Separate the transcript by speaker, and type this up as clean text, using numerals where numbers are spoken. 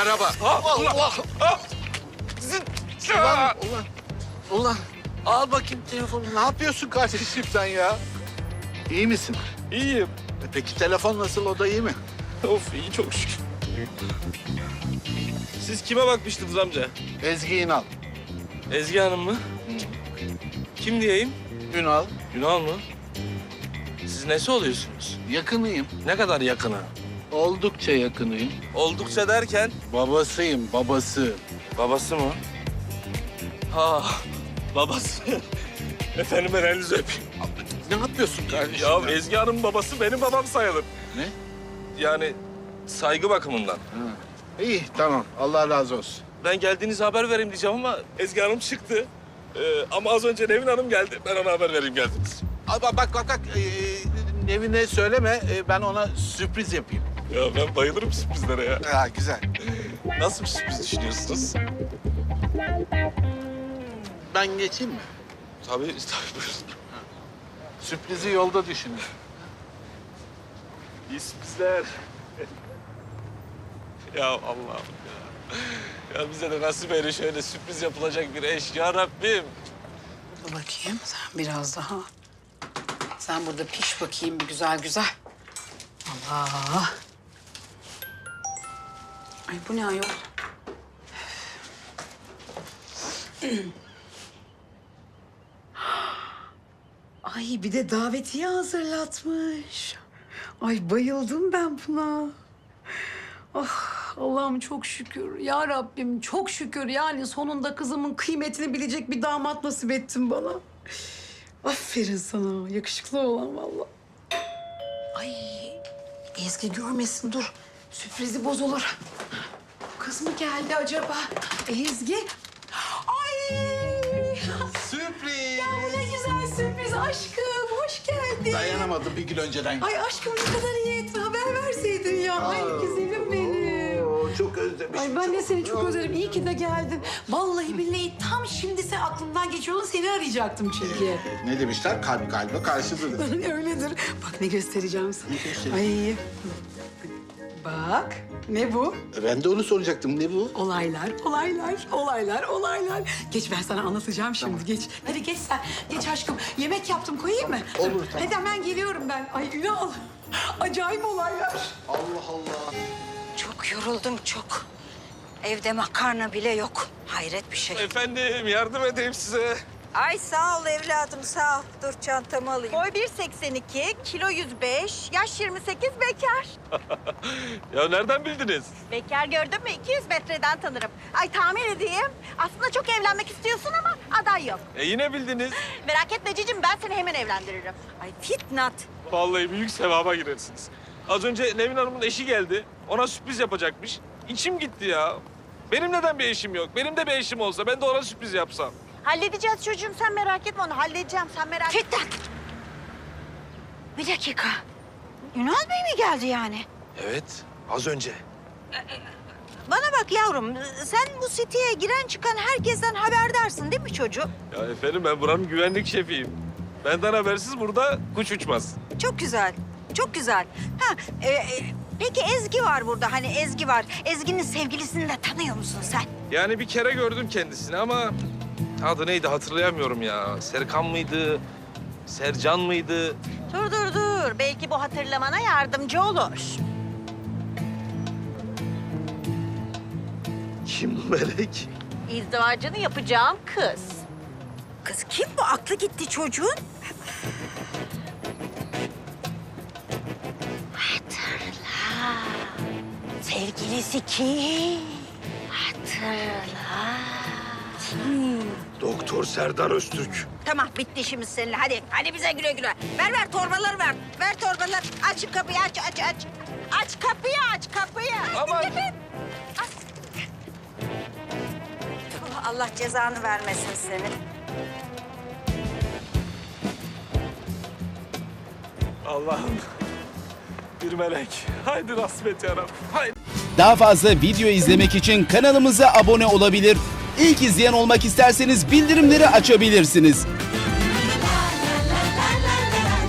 Speaker 1: araba.
Speaker 2: Allah!
Speaker 1: Ulan. Al bakayım telefonu. Ne yapıyorsun kardeşim sen ya? İyi misin?
Speaker 2: İyiyim.
Speaker 1: Peki telefon nasıl? O da iyi mi?
Speaker 2: Of iyi çok şükür. Siz kime bakmıştınız amca?
Speaker 1: Ezgi İnal.
Speaker 2: Ezgi Hanım mı? Kim diyeyim?
Speaker 1: Ünal.
Speaker 2: Ünal mı? Siz nesi oluyorsunuz?
Speaker 1: Yakınıyım.
Speaker 2: Ne kadar yakını?
Speaker 1: Oldukça yakınıyım.
Speaker 2: Oldukça derken
Speaker 1: Babasıyım, babası.
Speaker 2: babası mı? Ha, babası. Efendim ben elinizi öpeyim.
Speaker 1: Ne yapıyorsun kardeşim?
Speaker 2: Ya Ezgi Hanım'ın babası benim babam sayılır.
Speaker 1: Ne?
Speaker 2: Yani saygı bakımından.
Speaker 1: Ha. İyi, tamam. Allah razı olsun.
Speaker 2: Ben geldiğinizi haber vereyim diyeceğim ama Ezgi Hanım çıktı. Ama az önce Nevin Hanım geldi. Ben ona haber vereyim geldiniz.
Speaker 1: Bak. Nevine söyleme. Ben ona sürpriz yapayım.
Speaker 2: Ya ben bayılırım sürprizlere ya.
Speaker 1: Ha, güzel.
Speaker 2: Nasıl bir sürpriz düşünüyorsunuz?
Speaker 1: Ben geçeyim mi?
Speaker 2: Tabii buyurun.
Speaker 1: Sürprizi yolda düşünün.
Speaker 2: İyi sürprizler. Ya Allah'ım ya. Ya bize de nasip eyle şöyle sürpriz yapılacak bir eş ya Rabbim.
Speaker 3: Dur bakayım sen biraz daha. Sen burada piş bakayım bir güzel güzel. Allah. Ay bu ne ayol? Ay bir de davetiye hazırlatmış. Ay bayıldım ben buna. Ah Allah'ım çok şükür. Ya Rabbim çok şükür. Yani sonunda kızımın kıymetini bilecek bir damat nasip ettin bana. Aferin sana. Yakışıklı olan vallahi. Ay Ezgi görmesin dur. Sürprizi bozulur. Kız mı geldi acaba? Ezgi. Ay.
Speaker 1: Sürpriz!
Speaker 3: Ya bu ne güzel sürpriz aşkım. Hoş geldin.
Speaker 1: Dayanamadım bir gün önceden.
Speaker 3: Ay aşkım ne kadar iyi ettin. Haber verseydin ya. Ay güzelim benim.
Speaker 1: Oo, çok özlemişim.
Speaker 3: Ay ben de seni çok özledim. İyi ki de geldin. Vallahi billahi tam şimdi sen aklımdan geçiyordun. Seni arayacaktım çünkü.
Speaker 1: Ne demişler? Kalp kalbe karşıdır.
Speaker 3: Öyledir. Bak ne göstereceğim sana.
Speaker 1: Ne göstereyim?
Speaker 3: Ay. Bak ne bu?
Speaker 1: Ben de onu soracaktım. Ne bu?
Speaker 3: Olaylar. Geç ben sana anlatacağım şimdi.
Speaker 1: Tamam.
Speaker 3: Geç. Hadi geç sen. Geç aşkım. Yemek yaptım koyayım mı?
Speaker 1: Olur, tamam.
Speaker 3: Hadi hemen geliyorum ben. Ay Ünal. Acayip olaylar.
Speaker 1: Allah Allah.
Speaker 4: Çok yoruldum çok. Evde makarna bile yok. Hayret bir şey.
Speaker 2: Efendim yardım edeyim size.
Speaker 4: Ay sağ ol evladım sağ ol. Dur çantamı alayım. Boy 1.82, kilo 105, yaş 28 bekar.
Speaker 2: Ya nereden bildiniz?
Speaker 4: Bekar gördün mü 200 metreden tanırım. Ay tahmin edeyim. Aslında çok evlenmek istiyorsun ama aday yok.
Speaker 2: Yine bildiniz.
Speaker 4: Merak etme cicim ben seni hemen evlendiririm. Ay Fitnat.
Speaker 2: Vallahi büyük sevaba girersiniz. Az önce Nevin Hanım'ın eşi geldi. Ona sürpriz yapacakmış. İçim gitti ya. Benim neden bir eşim yok? Benim de bir eşim olsa ben de ona sürpriz yapsam.
Speaker 4: Halledeceğiz çocuğum sen merak etme onu halledeceğim sen merak etme. Fitnat. Bir dakika. Ünal Bey mi geldi yani?
Speaker 2: Evet, az önce.
Speaker 4: Bana bak yavrum, sen bu siteye giren çıkan herkesten haberdarsın değil mi çocuğum?
Speaker 2: Ya efendim ben buranın güvenlik şefiyim. Benden habersiz burada kuş uçmaz.
Speaker 4: Çok güzel, çok güzel. Peki Ezgi var burada, hani Ezgi var. Ezgi'nin sevgilisini de tanıyor musun sen?
Speaker 2: Yani bir kere gördüm kendisini ama adı neydi hatırlayamıyorum ya. Serkan mıydı? Sercan mıydı?
Speaker 4: Dur. Belki bu hatırlamana yardımcı olur.
Speaker 2: Kim bu melek?
Speaker 4: İzdivacını yapacağım kız. Kız kim bu? Aklı gitti çocuğun. Hatırla. Sevgilisi kim? Hatırla.
Speaker 2: Doktor Serdar Öztürk.
Speaker 4: Tamam bitti işimiz seninle. Hadi bize güle güle. Ver torbaları ver. Ver torbaları. Aç kapıyı aç. Aç kapıyı.
Speaker 2: Aman.
Speaker 4: Aç. Allah cezanı vermesin seni.
Speaker 2: Allah'ım. Bir melek. Haydi rasmet yarabbim. Haydi.
Speaker 5: Daha fazla video izlemek için kanalımıza abone olabilir. İlk izleyen olmak isterseniz bildirimleri açabilirsiniz.